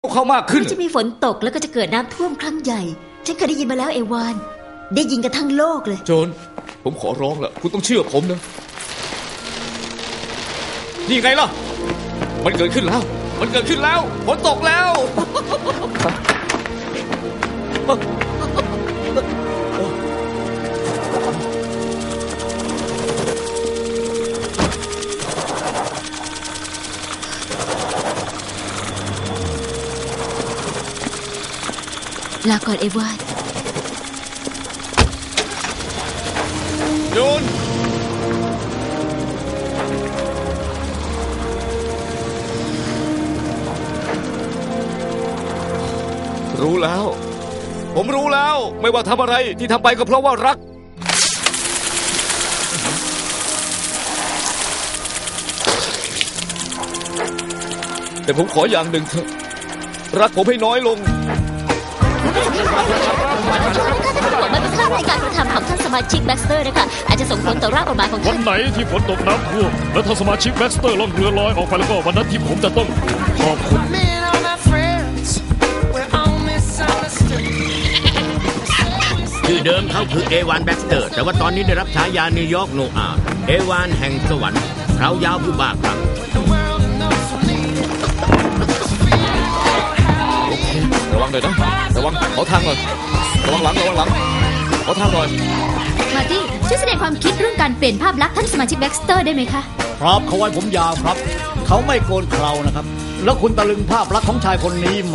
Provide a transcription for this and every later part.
วกเขามากขึ้นจะมีฝนตกแล้วก็จะเกิดน้ำท่วมครั้งใหญ่ฉันเคยได้ยินมาแล้วเอวานได้ยินกันทั้งโลกเลยโจนผมขอร้องละคุณต้องเชื่อผมนะนี่ไงล่ะมันเกิดขึ้นแล้วฝนตกแล้วลาก่อนเอวานโจนรู้แล้วผมรู้แล้วไม่ว่าทำอะไรที่ทำไปก็เพราะว่ารักแต่ผมขออย่างหนึ่งเถอะรักผมให้น้อยลงมันเป็นค่าในการกระทำของท่านสมาชิกแบ็กสเตอร์นะคะอาจจะส่งผลต่อร่างกฎหมายของท่านวันไหนที่ฝนตกน้ำท่วมและท่านสมาชิกแบ็กสเตอร์ล่องเรือลอยออกไปแล้วก็วันนั้นที่ผมจะต้องขอบคุณชื่อเดิมเขาคือเอวานแบ็กสเตอร์แต่ว่าตอนนี้ได้รับฉายานิวยอร์กโนอาห์เอวานแห่งสวรรค์เขายาวผู้บ้าคลั่งระวังเลยนะระวังขอทางหน่อยระวังหลังขอทางหน่อยมาตี้ช่วยแสดงความคิดเรื่องการเปลี่ยนภาพลักษณ์ท่านสมาชิกแบ็กสเตอร์ได้ไหมคะครับเขาไว้ผมยาวครับเขาไม่โกนเครานะครับแล้วคุณตะลึงภาพลักษณ์ของชายคนนี้ไหม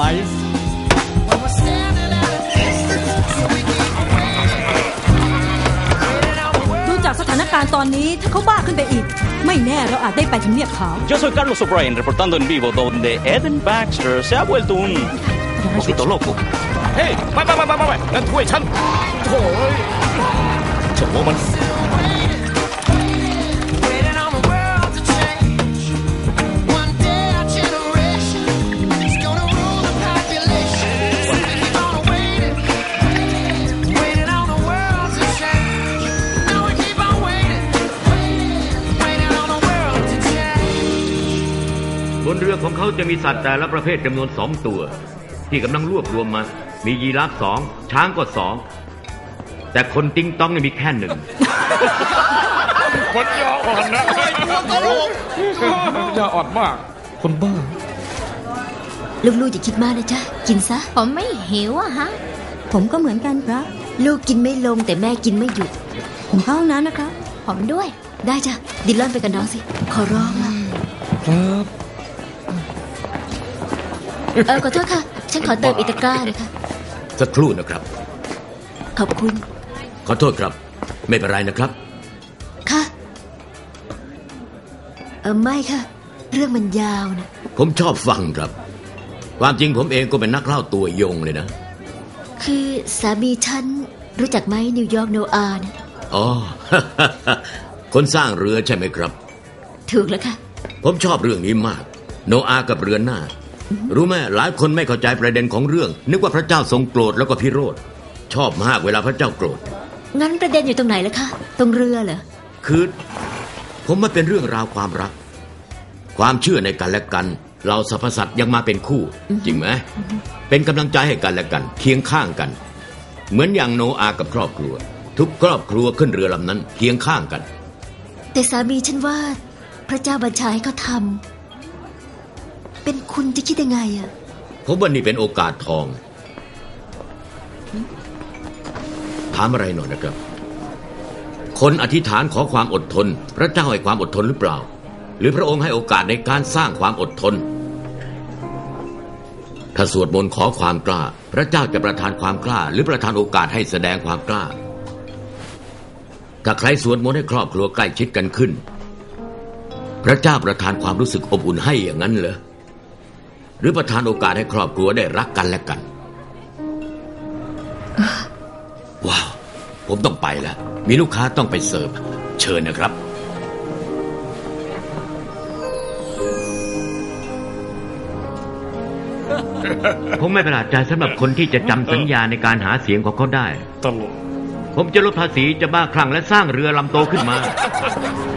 ดูจากสถานการณ์ตอนนี้ถ้าเขาบ้าขึ้นไปอีกไม่แน่เราอาจได้ไปทำเนียบขาว Yo soy Carlos O'Brien reportando en vivo donde Eden Baxter se ha vuelto un poquito loco. เฮ้ยไม่นั่นถ้วยฉันโถ่เจ้าหัวมันบนเรือของเขาจะมีสัตว์แต่ละประเภทจำนวน2 ตัวที่กำลังรวบรวมมามียีราฟ2ช้างก็2แต่คนติ๊งต้องมีแค่1 คนยออ่อนนะยออ่อนมากคนบ้าลูกๆอย่าคิดมากนะจ๊ะกินซะผมไม่หิวอะฮะผมก็เหมือนกันครับลูกกินไม่ลงแต่แม่กินไม่หยุดผมเข้าห้องน้ำนะครับผมด้วยได้จ้ะดิลลอนไปกับน้องสิขอร้องละครับขอโทษค่ะฉันขอเติมอีกตะกร้าเลยค่ะสักครู่นะครับขอบคุณขอโทษครับไม่เป็นไรนะครับค่ะไม่ค่ะเรื่องมันยาวนะผมชอบฟังครับความจริงผมเองก็เป็นนักเล่าตัวยงเลยนะคือสามีฉันรู้จักไหมนิวยอร์กโนอาห์นะอ๋อ คนสร้างเรือใช่ไหมครับถูกแล้วค่ะผมชอบเรื่องนี้มากโนอาห์กับเรือหน้ารู้ไหมหลายคนไม่เข้าใจประเด็นของเรื่องนึกว่าพระเจ้าทรงโกรธแล้วก็พิโรธชอบมากเวลาพระเจ้าโกรธงั้นประเด็นอยู่ตรงไหนล่ะคะตรงเรือเหรอคือผมมันเป็นเรื่องราวความรักความเชื่อในกันและกันเราสรรพสัตว์ยังมาเป็นคู่จริงไหมเป็นกำลังใจให้กันและกันเคียงข้างกันเหมือนอย่างโนอาห์กับครอบครัวทุกครอบครัวขึ้นเรือลำนั้นเคียงข้างกันแต่สามีฉันว่าพระเจ้าบัญชาให้เขาทำเป็นคุณจะคิดยังไงอะผมว่านี่เป็นโอกาสทองถามอะไรหน่อยนะครับคนอธิษฐานขอความอดทนพระเจ้าให้ความอดทนหรือเปล่าหรือพระองค์ให้โอกาสในการสร้างความอดทนถ้าสวดมนต์ขอความกล้าพระเจ้าจะประทานความกล้าหรือประทานโอกาสให้แสดงความกล้าถ้าใครสวดมนต์ให้ครอบครัวใกล้ชิดกันขึ้นพระเจ้าประทานความรู้สึกอบอุ่นให้อย่างนั้นเหรอหรือประทานโอกาสให้ครอบครัวได้รักกันและกันว้าวผมต้องไปแล้วมีลูกค้าต้องไปเสิร์ฟเชิญนะครับผมไม่ประหลาดใจสำหรับคนที่จะจำสัญญาในการหาเสียงของเขาได้ตลกผมจะลดภาษีจะบ้าคลั่งและสร้างเรือลำโตขึ้นมา